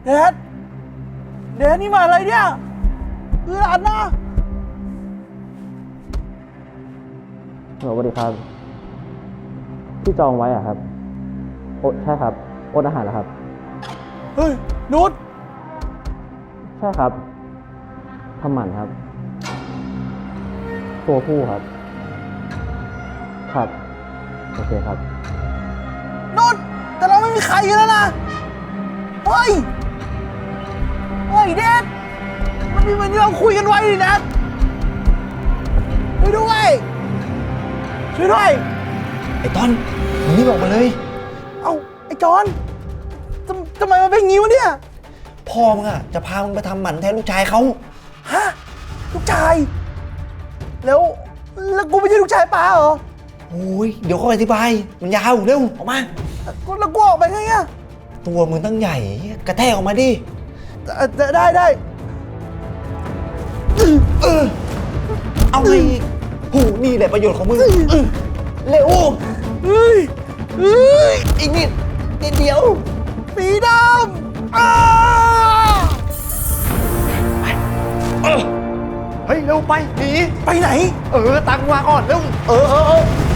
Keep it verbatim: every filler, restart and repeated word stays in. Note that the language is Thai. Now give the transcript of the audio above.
แดดแดดนี่มาอะไรเนี่ยคือหลานนะสวัสดีครับที่จองไว้อะครับโอ้ใช่ครับอดอาหารแล้วครับเฮ้ยนุชใช่ครับทำหมันครับตัวผู้ครับครับโอเคครับนุชแต่เราไม่มีใครกันแล้วนะเฮ้ยเฮ้ยแดดมันมีเหมือนที่เราคุยกันไว้ดิแดดช่วยด้วยช่วยด้วยไอ้ต้นมึงรีบออกมาเลยเอ้าไอ้จอนทำทำไมมันเป็นงี้วะเนี่ยพ่อมึงอะจะพามึงไปทำหมันแทนลูกชายเขาฮะลูกชายแล้วแล้วกูไม่ใช่ลูกชายป้าเหรอโอ้ยเดี๋ยวเขาอธิบายมันยาวเร็วออกมาแล้วกูออกไปไงอะตัวมึงตั้งใหญ่กระแทกออกมาดิได้ได้เออเอาไงโหนี่แหละประโยชน์ของมึงเร็วเฮ้ยเฮ้ยอีกนิดนิดเดียวสีดำอ้าเฮ้ยเร็วไปหนีไปไหนเออตังมาก่อนเร็วเออเออ